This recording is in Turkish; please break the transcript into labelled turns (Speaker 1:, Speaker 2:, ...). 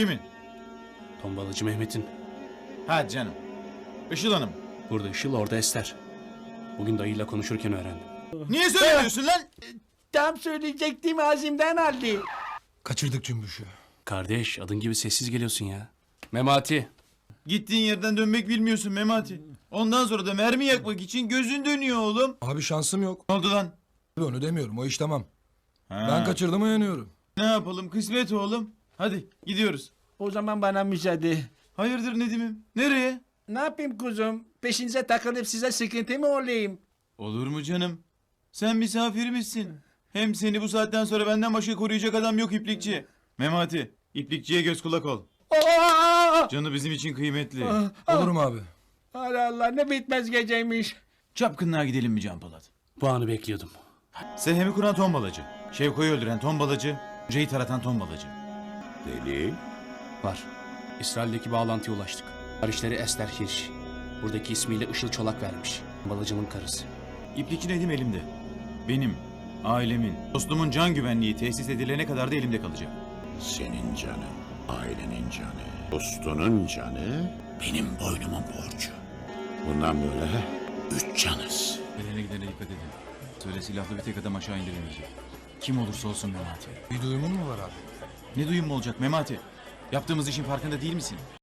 Speaker 1: Kimin?
Speaker 2: Tombalacı Mehmet'in.
Speaker 1: Ha canım. Işıl Hanım.
Speaker 2: Burada Işıl, orada Ester. Bugün dayıyla konuşurken öğrendim.
Speaker 1: Niye söylemiyorsun lan?
Speaker 3: Tam söyleyecektim ağzımdan aldı.
Speaker 4: Kaçırdık Cümbüş'ü.
Speaker 2: Kardeş, adın gibi sessiz geliyorsun ya. Memati.
Speaker 1: Gittiğin yerden dönmek bilmiyorsun Memati. Ondan sonra da mermi yakmak için gözün dönüyor oğlum.
Speaker 4: Abi şansım yok.
Speaker 1: Ne oldu lan?
Speaker 4: Onu demiyorum, o iş tamam.
Speaker 1: Ha.
Speaker 4: Ben kaçırdım, uyanıyorum.
Speaker 1: Ne yapalım, kısmet oğlum. Hadi gidiyoruz.
Speaker 3: O zaman bana müsaade.
Speaker 1: Hayırdır Nedim'im? Nereye?
Speaker 3: Ne yapayım kuzum? Peşinize takılıp size sıkıntı mı olayım?
Speaker 1: Olur mu canım? Sen misafirimizsin. Hem seni bu saatten sonra benden başka koruyacak adam yok iplikçi. Memati, iplikçiye göz kulak ol.
Speaker 3: Aa!
Speaker 1: Canı bizim için kıymetli.
Speaker 4: Olurum abi.
Speaker 3: Allah Allah, ne bitmez geceymiş.
Speaker 1: Çapkınlığa gidelim mi Can Polat?
Speaker 2: Bu anı bekliyordum.
Speaker 1: Sehemi kuran tombalacı. Şevko'yu öldüren tombalacı. Hocayı taratan tombalacı.
Speaker 5: Delil?
Speaker 2: Var. İsrail'deki bağlantıya ulaştık. Kardeşleri Ester Hirsch. Buradaki ismiyle Işıl Çolak vermiş. Tombalacının karısı.
Speaker 1: İplikçi Nedim elimde. Benim, ailemin, dostumun can güvenliği tesis edilene kadar da elimde kalacak.
Speaker 5: Senin canın, ailenin canı, dostunun canı benim boynumun borcu. Bundan böyle 3 canız.
Speaker 1: Gelene gidene dikkat edin. Söyle silahlı bir tek adam aşağı indiremeyecek. Kim olursa olsun Memati.
Speaker 4: Bir duyumun mu var abi?
Speaker 1: Ne duyum mu olacak Memati? Yaptığımız işin farkında değil misin?